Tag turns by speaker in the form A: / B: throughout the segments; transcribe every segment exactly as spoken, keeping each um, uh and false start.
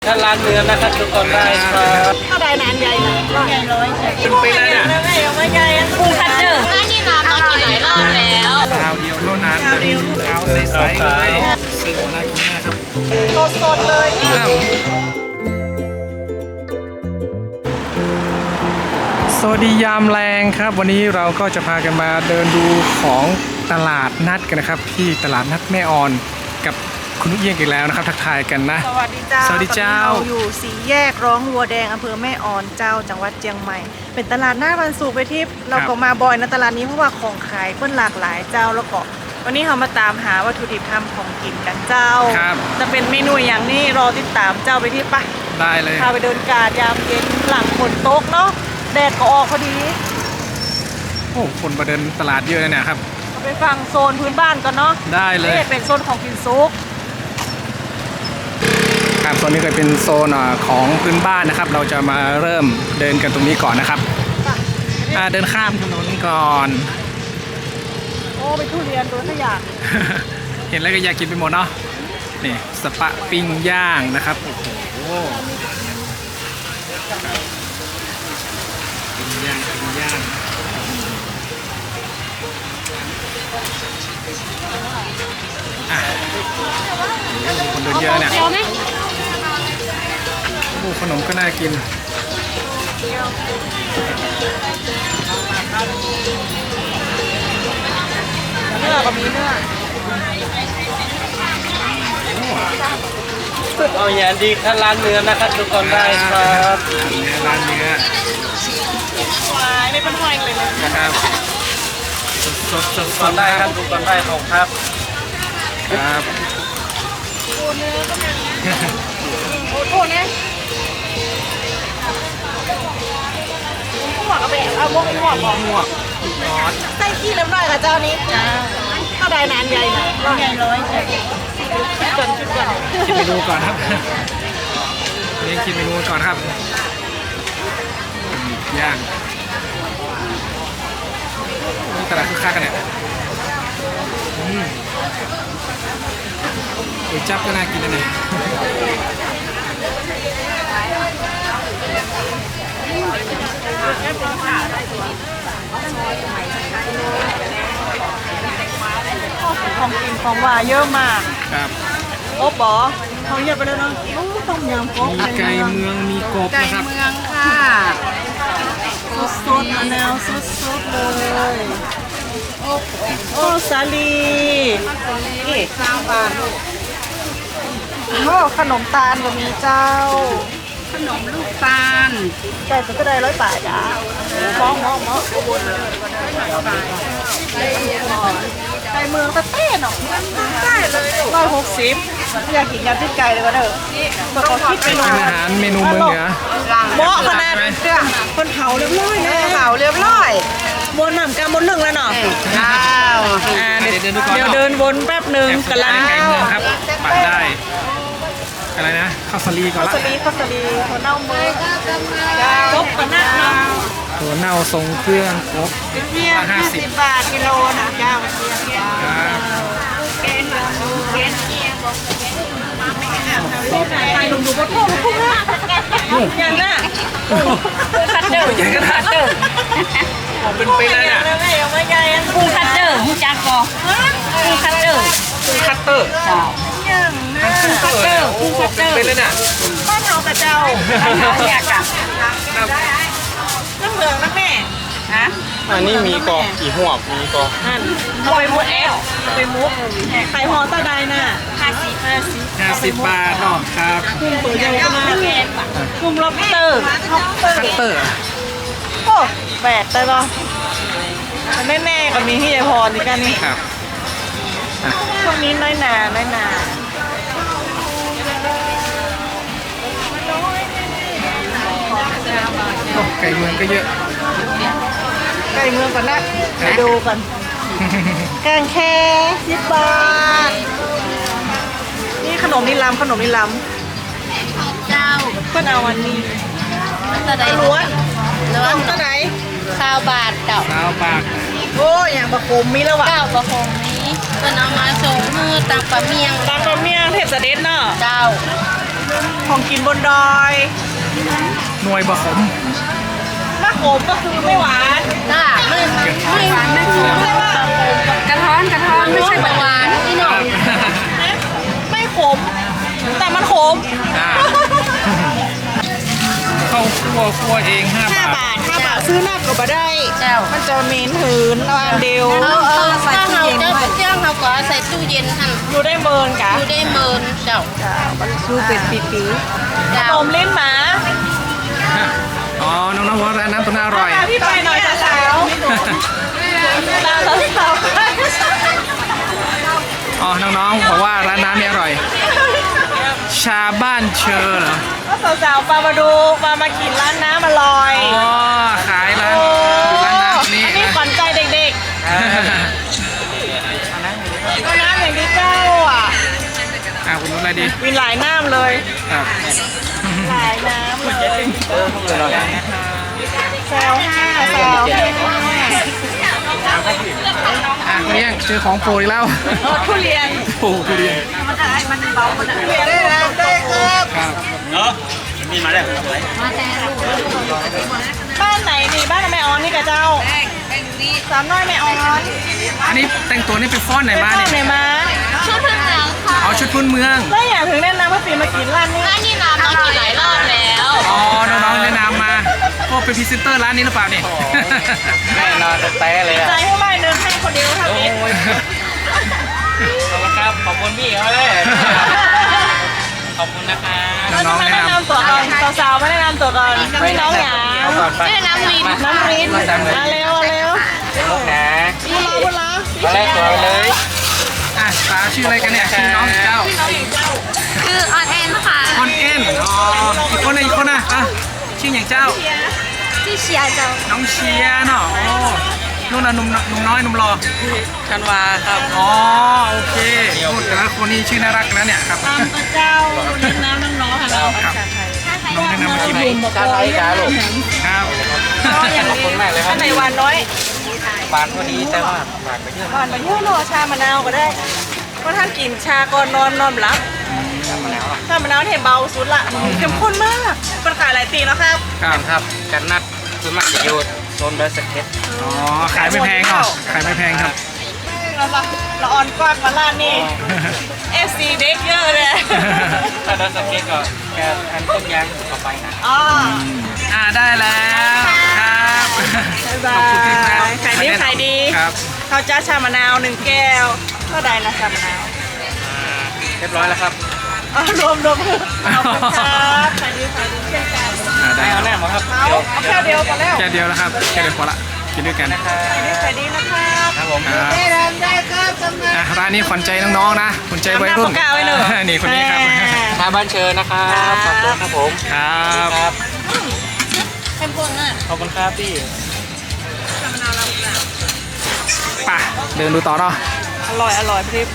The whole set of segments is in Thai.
A: ถ้าร้านเนื้อนะครับทุกคนได้ครับ
B: ถ้าได้นานใหญ่นะร้อยใหญ่ร้อยใหญ่
A: เป็นไปได้เนี่ย
B: ไม่เอาไม่ใหญ่กุ้งคัตเตอร์
C: ร้านนี้น้ำมากินหลายรอบแล้ว
A: ข้าวเดียวเท่านั้นข้าวเดียวข้าวใสๆเลยซึ่งน่ากินมากครับ
B: สดๆเลย
A: สวัสดียามแรงครับ วันนี้เราก็จะพากันมาเดินดูของตลาดนัดกันนะครับที่ตลาดนัดแม่ออนกับคุณนุเอียงอีกแล้วนะครับทักทายกันนะ
B: สวัสดีเจ้า
A: สวัสดีเจ้า
B: เราอยู่สี่แยกร้องวัวแดงอำเภอแม่ออนเจ้าจังหวัดเชียงใหม่ เป็นตลาดหน้าวันศุกร์ไปทิพย์เราก็มาบ่อยนะตลาดนี้เพราะว่าของขายเพิ่นหลากหลายเจ้าแล้วก็วันนี้เรามาตามหาวัตถุดิบทำของกินกันเจ้า
A: ครับ
B: จะเป็นเมนูอย่างนี้รอติดตามเจ้าไปที่ปะ
A: ได้เลย
B: พาไปเดินกาดยามเย็นหลังฝนตกเนาะแดดก็ออกพอดี
A: โอ้คนมาเดินตลาดเยอะเลยเนี่ยครับ
B: เราไปฟังโซนพื้นบ้านกันเนาะ
A: ได้เลย
B: นี่เป็นโซนของกินซุก
A: ครับโซนนี้ก็เป็นโซนอ่าของพื้นบ้านนะครับ เราจะมาเริ่มเดินกันตรงนี้ก่อนนะครับอ่าเดินข้ามถนนก่อน
B: โอ้ไปทุเรียนตัวขยะ
A: เห็นแล้วก็อยากกินไปหมดเนาะนี่สปะปิ้งย่างนะครับโอ้โหปิ้งย่างปิ้งย่างอ่ะคนเดินเยอะเนี่ย
C: เดียวไหม
A: โอ้ขนมก็น่ากิน
B: เนื้อก็มีเนื้อ
D: เอาอย่างดีถ้าร้านเนื้อนะครับทุกคนได้ครับ
A: ร้านเนื้อ
B: วายไม่เป็นหอยเลยนะ
A: นะครับสดสด
D: ทุก
A: ส
D: คน
A: ด
D: ได้
A: นะ
D: ค
A: ค
D: รั
A: รั
D: บบ ทุกคนได้ของครับ
A: ครับ
B: โอ้เนื้อก็มีโอ้โหเนี่ยหัวกก็เป็นเอาพวกหัวบอก
A: หมวกนอส
B: ไส้ขี้เล็บน้อยกับเจ้านี้ถ้าได้นานใหญ่นะร้อยใหญ่ร้อยใหญ่ชุดก่อนชุดก่อน
A: คิดเมนูก่อนครับเรียนคิดเมนูก่อนครับย่างนี่ตลาดคึกคักกันเนี่ยอืมก๋วยจั๊บก็น่ากินนะเนี่ย
B: ของกินของหวานเยอะมาก
A: ครับ
B: โอ้บอเขาเยอะไปแล้วเนาะโอ้ต้มยำโป๊ะ
A: มีไก่เมืองมีกบ
B: ไก่
A: นะครับ
B: เมืองค่ะสดๆมะนาวสดๆเลยโอ้สาลีนี่ข้าวบานโอ้ขนมตาลก็มีเจ้า
C: ขนมลูกตาล
B: ไก่สุดก็ได้ร้อยบาทจ้ามองมองมองไก่เมืองตะเต้เนาะได้เลยร้อยหกสิบอยากกินยำพริกไก่เลยก็เด้อมาขอคิดเป็น
A: เป็นอาหารเมนูเมืองเหนือ
B: เหมาะขนาดคนเผาเรียบร้อยนะเผาเรียบร้อยบนหนำกำบนหนึ่งแล้วเนาะอ้าวอ่าเดี๋ยวเดี๋ยวเดินวนแป๊บหนึ่งกำลัง
A: ไก่เมืองครับปัดได้อะไรนะข้าวสาลีก่อน
B: ข้าว
A: ละ
B: สลีข้าวสลีหัวเน่ามือครบขนาดเนาะ
A: ถั่วเน่าทรงเครื่องครบ
B: เพียงห้าสิบบาทกิโลนะเจ้าเพียงเจ้า
A: ครับ
B: เกณฑ์เกณฑ์เกียงบอกใครหนุ่มดูบนทุ่งทุ่งนะอย่างน่ะคัตเตอร์
A: ใหญ่ขนาดผมเป็นไปเลยเนี่ย
B: ไม่เอาไม่ใหญ่
C: กุ้งคัตเตอร์หูจักก่อกุ้งคัตเตอร์
A: คัตเตอร์
C: เจ้า
B: อย่างน่ะ
A: คัตเตอร์โอ้โหเป็นไปเลยเนี่ย
B: บ้านเฮากับเจ้า
C: เขาอยากอะ
B: น้ำเหลืองนะแม่
C: ฮะ
D: อันนี้มีกอกกี่หัวมีกอก
B: อันเอาไปมุกแอลเอาไปมุกไข่หอตาไดน่ะห้าสิบห้าสิบ
A: ห้าสิบบาทเนาะครับ
B: กุ้งตัวใหญ่ขนาดกุ้งล็อบสเตอร์ล็อบสเตอร์
A: คัตเตอร์
B: โอ้แบกได้ป่ะแน่ๆก็มีที่ยายพรอีกกันนี่
A: ครับ
B: พวกนี้น้อยหนาน้อยหนา
A: โอ้ไก่เมืองก็เยอะ
B: ไก่เมืองก่อนนะไปดูกันแกงแค่สิบบาทนี่ขนมนิลำขนมนิล
C: เจ้า
B: ำเพื่อนเอาวันนี้
C: ตะได
B: ล้วน
C: ล้วน
B: ต้นไหน
C: ข้าวบาทเจ้า
A: สาวปาก
B: โอ้อย่างประคมมีแล้ววะ
C: เก้ากระพงนี้เป็นเอามาส่งมือตังปลาเมียง
B: ตามกระเมียงเทพเสด็จเนาะ
C: เจ้า
B: ของกินบนดอย
A: หน่วยบะขม
B: มะขมก็คือไม่หวาน
C: จ้าไม่ไม่หวานไม่ขมกระท้อนกระท้อนไม่ใช่หวานนี่หน่อย
B: ไม่ขม แต่มันขม
A: อ่าเข้าครัวครัวเองห้า
B: ห้า
A: บาท
B: บาทห้าบาทซื้อหน้าก็บ่ได้
C: เจ้า
B: มันจะเหม็นหืนเอาอันเดียว
C: เออเออถ้าเราจะเจ้าเขาก็ใส่ตู้เย็นหั่น
B: อยู่ได้เมินกะ
C: อยู่ได้เมินเจ้า
B: ดูเป็นปีปี
C: เจ้า
B: ขนมลิ้นหมา
A: อ๋อ น้องๆบอกว่าร้านน้ำตรงนั้นอร่อย
B: พาพี่ไปหน่อยสาวๆร้านสาว
A: อ๋อ น้องๆบอกว่าร้านน้ำนี่อร่อย ชาบ้านเชอเหรอ
B: ๆก็สาวๆปามาดูปามากินร้านน้ำอร่อย
A: อ๋อ ขายร้าน
B: โอ้
A: ร้านน้ำนี้
B: อันนี้
A: นะ
B: ขวัญใจเด็กๆก็น้ำอย่างที่เจ้าอ่ะ
A: อ่าคุณรู้อะไรดี
B: มีหลายน้ำเลย
A: ครับ
B: หลายน้ำเลยแซวห้าแซวห้า
A: อ่ะเลี้ยงเจอของโปรยแล้ว
B: รถทุเรียน
A: โอ้ทุเรียน
B: ทุเรียนได้แล้วได้ครับ
A: ครับ
D: เนาะมีมาแล้ว
B: บ้านไหนนี่บ้านแม่ออนนี่กับเจ้าสามน้อยแม่ออน
A: อันนี้แต่งตัวนี่เป็นฟ้อนไหน
B: ไป
A: มา
B: บ้าน
A: เนี่ย
B: ไหนมา
C: ชุดพื้นเมืองค่ะ
A: เอาชุดพื้นเมือง
B: แล้วอยากถึงแนะนำว่าปีมากินร้านนี้
C: ร้านนี้น้ำมากี่หลายรอบแล้ว
A: อ๋อ น้องๆแนะนำมาก็เป็นพรีเซนเตอร์ร้านนี้หรือเปล่าเนี่ย
D: แน่นอนแต่เลย
B: ใจให้ไม่เดินให้คนเดียวทำนี้
D: ขอบคุณครับ ขอบคุณพี่เขาเลย ขอบคุณนะคะ
B: เราจะมาแนะนำตัวก่อนสาวๆมาแนะนำตัวก่อนพี่น้องหยา
C: ชื่อน้ำลิน
B: น้ำรินมาเร็วมาเร็ว
D: ลูกนะ
B: พูดละพูดละ
D: มาแรกตัวเลย
A: อ่ะสาวชื่ออะไรกันเนี่ยชื่อน้องเจ้า
C: คือออนแอนค่ะ
A: คอนเอ็นอ๋อ อีกคนน่ะอีกคนน่ะอ่ะชื่ออย่างเจ้า
C: ที่เชียร์เจ้า
A: น้องเชียร์เนาะอ๋อนู่นน่ะหนุ่มหนุ่มน้อยหนุ่มรอ
D: ชันวาครับ
A: อ๋อ โอเคโอ้แต่ละคนนี่ชื่อน่ารักนะเนี่ยครับ
B: ตามพระเจ้าเลี้ยงน้ำน้องๆค่ะน้อง
A: ครับ น้องแนะนำมากิน
D: ชาไทยกาลูก
A: ครับ
B: ก็อย่าง
D: ขอบ
B: นี้
D: คุณมากเลยครับ
B: อันไหนหวานน้อย
D: หวานพอดีแต่ว่าหวานไปเยอะ
B: หวานมาเยอะเนาะชามะนาวก็ได้ก็ท่านกินชาก่อนนอนนอนหลับ
D: น้ำมะนาว
B: ชามะนาวเทเบาสุดละเข้มข้นมากเป็นขายหลายปีแล้วครับ
A: ครับ
D: ครับกันนัดคือมักจะอยู่โซนเบอร์สเก็ต
A: อ๋อ ขายไม่แพงเนาะขายไม่แพงครับ
B: เราละเราออนกว้างมาล้านนี่เอฟซีเด็กเยอะเลย
D: ถ้าเบอร์สเก็ตก็แค่อันต้นยางต่อไปนะ
B: อ๋อ
A: อ่าได้แล้วครับ
B: บ๊ายบา
A: ขอบคุณที่มาย
B: ขายดีขายดี
A: ครับ
B: ข้าวจ้าชามะนาวหนึ่งแก้วเท่าใดนะชามะนาว
D: เรียบร้อยแล้วครับ
B: อ๋อรวมรวมขอบคุณครับขายดีขายดีเช่นกัน
A: อ่าได้
D: ได้
A: ค
D: เอา
A: รับ
D: แน่หมดครับ
B: เอาเอาแค่เดียวพอแล้ว
A: แค่เดียวแล้วครับแค่เดียวพอละกินด้วยกัน
D: นะครับ
B: ขายดีขายดีนะครับ
D: ครับผม
A: ครับ
B: ได้รับได้ครับจำนวน
A: อ่ะร้านนี้ขวัญใจน้องๆนะขวัญใจวัยรุ่น
B: จำหน้าปากกาไว้หน่อย
A: นี่คนนี้ครับ
D: ชาบ้านเชิญนะครับขอบคุณครับผม
A: ครับ
D: ครับ
C: เข้มข้นอ่ะ
D: ขอบคุณครับพี่
A: ไป่ะเดินดูต่อเนาะ
B: อร่อยอร่อยพี่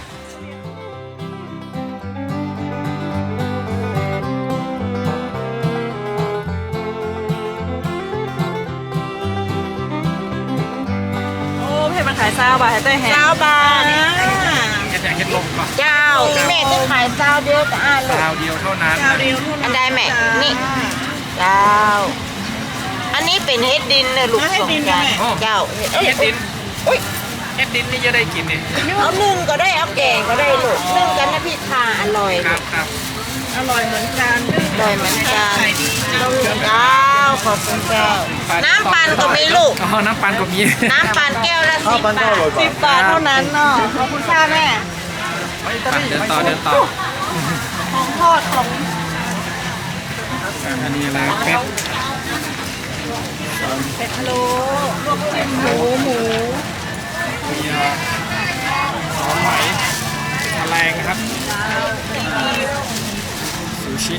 B: โอ้เพชรมันขายซาวบาทให้เต้ยแฮะซาวบาท
A: เห็ดแดงเห็ดลมก่อน
C: เจ้าแม่จะขายเจ้าเดียวกับอาลูก
A: คราวเดียวเท่านั้น
B: ซาวเดียวเท่า
C: อั
B: นั้น
C: นใดแม่นี่เจ้า อันนี้เป็นเฮ็ดดินนะลูกสองจานเจ้า
A: เห็ดดินเห็ดดินนี่จะได้กินนี่
C: เอานึ่งก็ได้เอาแกงก็ได้ลูกนึ่งกันนะพี่ทาอร่อย
A: ครับครับ
B: อร่อยเหมือนกัน
C: อร่อยเหมือนกัน
B: ขายดี
C: เจ้าขอบคุณเจ้า น้ำปั่นก็มีลูก
A: อ๋อน้ำปั่นก็มี
C: น้ำปั่นแก้วละสิบบาท
B: สิบบาทเท่านั้นเนาะขอบคุณค่ะแม่
A: ไปเดินต่อเดินต่อ
B: ของทอดของ
A: อันนี้อะไรเป็ด
B: เป็ดพะโล้ลวกจิ้มหมูหมู
A: มีหอมไหมแมลงนะครับซูชิ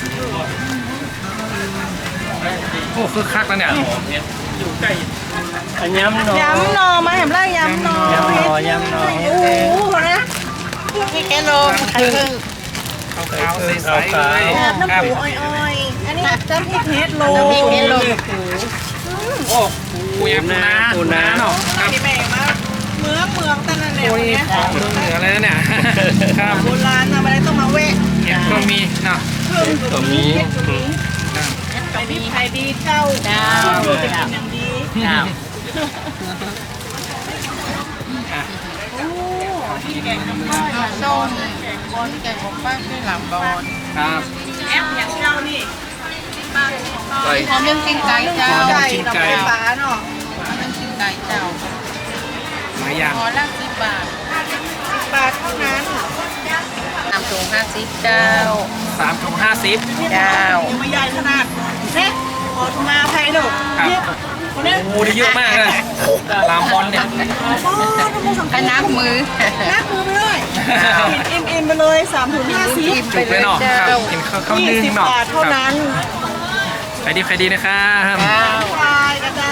A: โอ้คึกคักแล้วเนี่ย
D: อยู่ใกล้อันย้ำหน่อย
B: ยำหน่อมาเห็นไรยำหน่อย
D: ย้ำหน่อยย้ำหน่อย
B: โอ้โหนะมีแกโลมไข่พึ่ง
A: ขาวๆใสๆเลย
B: น้ำปูอ้อยๆอันนี้น้ำพริกเฮ็ดโล
C: น้ำพริกเฮ็ดโล
A: โอ้ปูยำปูนาปูนาเนาะครับ
B: ที่แม่มาเมืองเมืองแต่นั่นแหละ
A: โอ้ย
B: เนี่ย
A: ของเมืองเหนือเลยนะเนี่ยครับ
B: โบราณทำอะไรต้องมาแวะ
A: เห็ดก็มีเนาะ
D: ตัวมี
B: ขายดีขายดีเจ้าเจ้าจะกินอย่างดี
D: เจ้า
A: อ่ะ
B: แกงน้ำปลาส้มบอลแกงของป้าด้วยหลังบอล
A: ครับ
B: แอปอย่างเจ้านี่
D: ไก่
B: หอมยังกินไก่เจ้า
A: ไก่ดอกไม้ฟ้า
B: เนาะยังกินไก่เจ้า
A: หลายอย่าง
B: พอละสิบบาทสิบบาทเท่านั้น
C: น้ำถุงห้าสิบเจ้า
A: สามถุงห้าสิบ
C: เจ้า
B: ไม่ใหญ่ขนาดเนี่ยขอทุมาไทยดู
A: ครับ
B: เนี่ยคนนี้
A: โอ้โหได้เยอะมากเลยลามบอลเนี่ย
B: ป้อนน้ำมันสัง
C: ให้นับมือ
B: นักมือไปเลยกินอิ่มอิ่มไปเลยสามถุงห้าสิบ
A: จุกเลยเนาะครับกินข้าวข้าว
B: ยี่
A: นึ่ง
B: สิบ
A: เนาะ
B: บาทเท่านั้น
A: ใครดีใครดีนะครับ
B: ควายกระเจ้า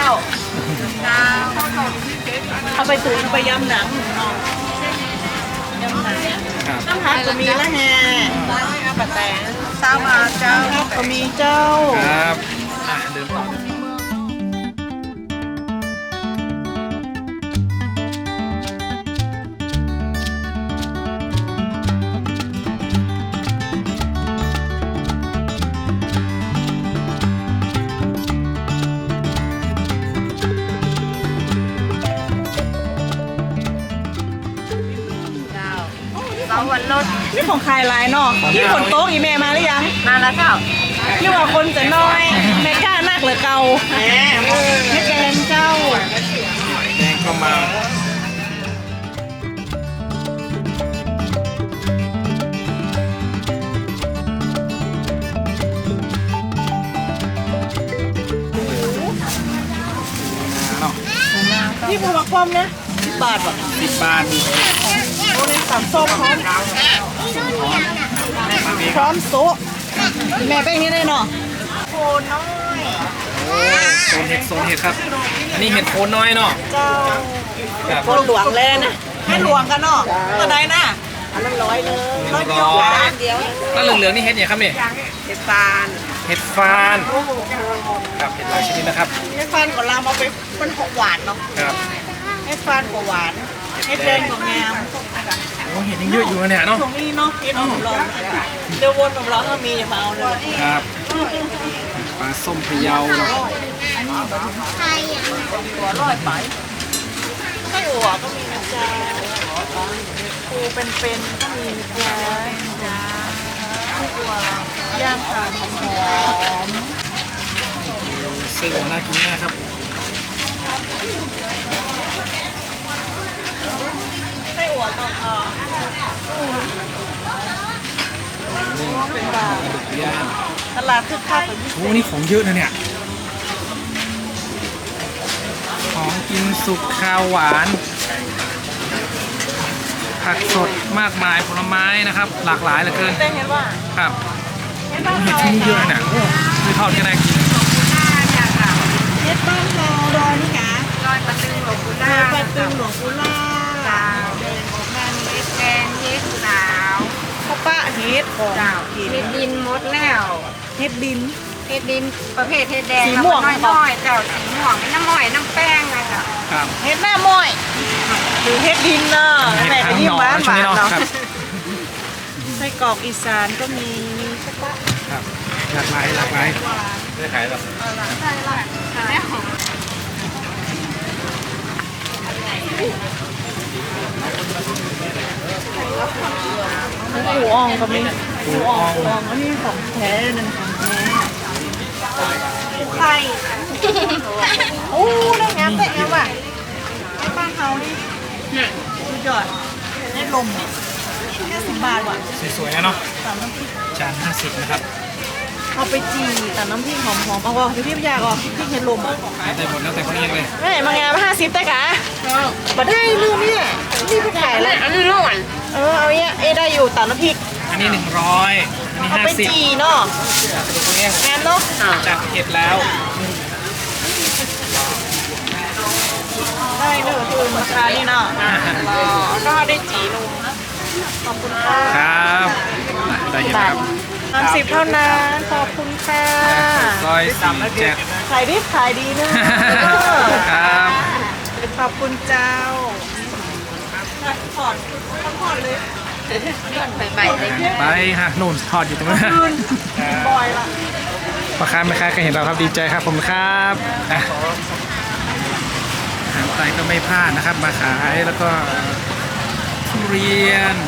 B: เอาไปตุ๋นไปยำหนังเนาะยำหนัง
A: ครับ
B: น้ำผักก็มีละแฮเอาปะแตงเต้ามาเจ้าก็มีเจ้า
A: ครับอ่ะเดินต่อ
C: เสาวันรถ
B: นี่ของใครลายเนาะที่ฝนโต๊ะอีเมมาหรือยัง
C: มาแล้วเจ้า
B: นี่ว่าคนจะน้อยแม่กล้านักเหรือเก่าแหมไม่แกงเจ้า
A: แดงก็มาเนาะ
B: นี่บัวกลมนะสิบบาทว่ะ
A: สิบบาท
B: โอ้ในสามส้มพร้อมพร้อมโต๊ะแม่แป้งนี่ได้เนาะโคนน้อย
A: โอ้โซนเห็ดโซนเห็ดครับ อันนี้เห็ดโคนน้อยเนาะ
B: เจ้า
A: ครับ
B: คนหลวงเลยนะให้หลวงกันเนาะตัวใดนะอันนั้นร้อยเลยร้อยเดียว
A: ร้อย
B: เดียว
A: แล้วเหลืองๆนี่เห็ดเนี่ยครับเนี่ย
B: เห็ดฟาน
A: เห็ดฟานครับเห็ดหลายชนิดนะครับ
B: เห็ดฟานของเรามาเป็นเป็นหกหวานเนาะ
A: ครับ
B: เห็ดฟานกับหวานเห็ดแดงกับงาม
A: โอ้เห็ดยังเยอะอยู่นะเนี่ยเนาะ
B: ตรงนี้เนาะเห็ดหอมร้อนเดี๋ยววนกับเราถ้ามีอย่ามาเอาเลย
A: ครับปลาส้มพะเยาเนาะ
B: ตัวร้อยไปไส้อั่วก็มีนะจ๊ะปูเป็นๆก็มีนะจ๊ะไส้อั่วย่างขาหอม
A: เส้นน่ากินมากครับ
B: ไส้อั่วตองอ่อนเป็นบาท
A: ดุกย่าง
B: ตลาดคึกคักแบบนี้
A: โอ้นี่ของเยอะนะเนี่ย ของกินสุกข้าวหวาน ผักสดมากมายผลไม้นะครับ หลากหลายเหลือเกิน
B: ได้เห็นว่า
A: ครับ
B: เห็ดบ้าน
A: เห็ด
B: เรา
A: ที่นี่เยอะนะโอ้คือทอดก็ได้กิน
B: เห็ดบ้านเราดอยนี่กะ
C: ลอยปลาตึงหลวงปู่
B: ด
C: ล่า
B: อยปลาตึงหลวงปู่ล่า
C: เจ้าเดินของงานเฮ็ดแกงเฮ็ดสาว
B: ข้าวปะเห็ดของ
C: เจ้า
B: กิน
C: เฮ็ดดินหมดแล้ว
B: เห็ดดิน
C: เฮ็ดดินประเภทเฮ็ดแดง
B: สีม่วง
C: แล้วก็น้อยๆเจ้าสีม่วงเป็นน้ำม้อยน้ำแป้งนะเจ้า
A: ครับ
B: เห็ดหน้าม้อยหรือเห็ดดินเนาะ
A: เห็ด
B: แม่
A: ทั้
B: ก็
A: ง
B: ยิ่
A: ห
B: ง
A: น่อ
B: หวาน
A: ช่ว
B: ห
A: ง
B: วาน
A: นี้เนาะ
B: เนาะ
A: ครับ
B: ไส้กรอกอีสานก็มีข้าวปะ
A: ครับหลากหลายหลากหลายไม่ได้ขายหรอก
B: หมูอ่องก็มีหมูอ่องหมูอ่องอันนี้ของแท้นั่นของแท้หมูไข่โอ้ได้งามแต่งามว่ะไอ้บ้านเฮานี่สุดยอดได้ลมแค่สิบบาทว่ะ
A: สวยๆนะเนาะ
B: ตามน้ำพริก
A: จานห้าสิบนะครับ
B: เอาไปจีแต่น้ำพริกหอมๆเอาว่าพี่พี่อยากอ่ะพริกเห็ดลมอ่ะ
A: ได้หมดแล้วแต่คนเองเลย
B: แม่มางานห้าสิบแต่กะมาได้ลืมเนี่ยนี่ไปขายแล้ว
C: อันนี้ร้อน
B: เออเอาเนี้ยเอ้ได้อยู่ตามน้ำพริก
A: อันนี้หนึ่งร้อยอันนี้
B: เอา
A: ห้า
B: ไป
A: สิบ
B: จีเนาะ
A: ดูคนเอง
B: งามเนาะ
A: จากเห็ดแล้ว
B: ได้เนอะคือเหมือนชานี่เนาะก็ได้จีนมขอบคุณค่ะ
A: ครับได้เห็ดแล้วครับ
B: สามสิบเท่านั้นขอบคุณค่ะ
A: ซอยสี่เจ็ด
B: ขายดีขายดีเนอะ
A: ครับ
B: ขอบคุณเจ้าถอดถอดเลย
C: ไปไปเลย
A: ไปฮะนู่นทอดอยู่ตรงนั้น
B: บอยละ
A: พ่อค้าแม่ค้าก็เห็นเราครับดีใจครับผมครับอ่ะอาหารไทยก็ไม่พลาดนะครับ มาขายแล้วก็ทุเรียน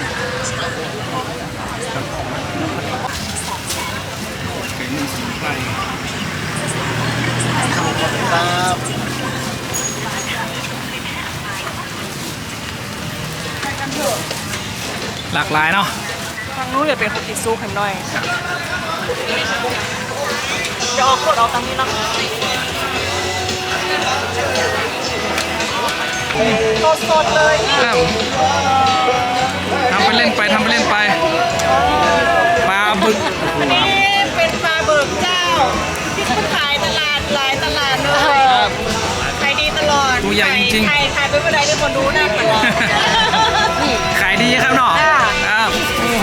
A: เก่งสมุนไพรหลากหลายเนาะ
B: ทางนู้นจะเป็นคุกกี้ซุปเห็นหน่อยจะออกกดเอาตังนี้นะสดๆเลย
A: ครับทำไปเล่นไปทำไปเล่นไปปลาบึก
B: อันนี้เป็นปลาเบิกเจ้า ที่เขาขายตลาดหลายตลาดเลยขายดีตลอด
A: ตัวใหญ่จริง
B: ขายขายไปเมื่อใดได้คนรู้หน้าตลอด
A: ๆขายดีครับเนาะครับโอ้โห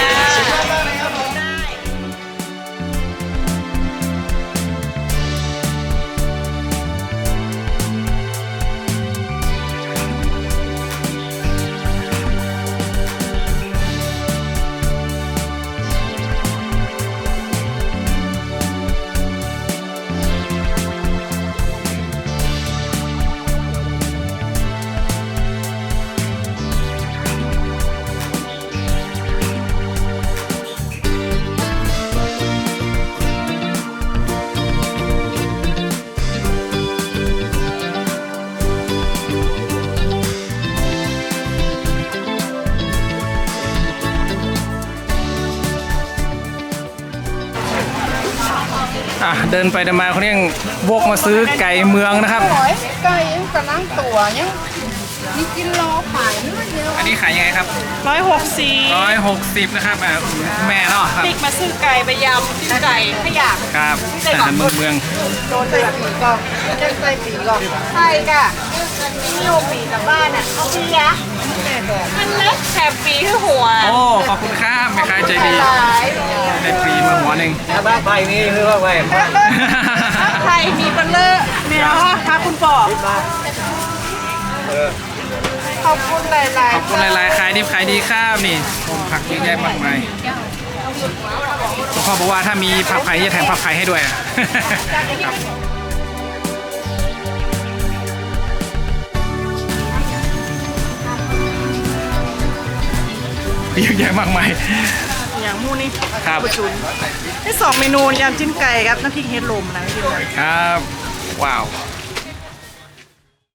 A: อ่ะเดินไปเดินมาเขาเนี่ยยังวกมาซื้อไก่เมืองนะครับ
C: ไก่ยังกำลังตัวยังนี่กินรอขายนี่เดียว
A: อันนี้ขายยังไงครับ
B: ร้อยหกสิบ
A: ร้อยหกสิบนะครับอ่ะแม่เนาะครับ
B: ติ๊กมาซื้อไก่ไปยำซื้อไก่ขยะ
A: ครับอาหารเมืองเมือง
C: โดนใส่ปีกอกจะใส่ปีกอกใส่กะนี่โยปีกับบ้านอ่ะเอาปีอะ
B: มันเล็กแถบปีที่หัว
A: โอ้ขอบคุณครับแม่ค้าใจดี
C: หลาย
A: ได้ฟรีมาหัวหนึ่ง
D: บ้านไปนี่คือว่าไง
B: ไทยมีเบลเลอร์แมวค่ะคุณปอ
C: ขอบคุณหลาย
A: ขอบคุณหลายๆขายดีขายดีครับนี่ผมผักเยอะแยะมากมายคุณพ่อบอกว่าถ้ามีผักไผ่จะแถมผักไผ่ให้ด้วยอะครับเยอะแยะมากมาย
B: อย่างมูนี่
A: ครับ
B: บุชุนได้สองเมนูยำจิ้นไก่ครับน้ำพริกเฮดลมนะพี่ดิว
A: ครับ ว้าว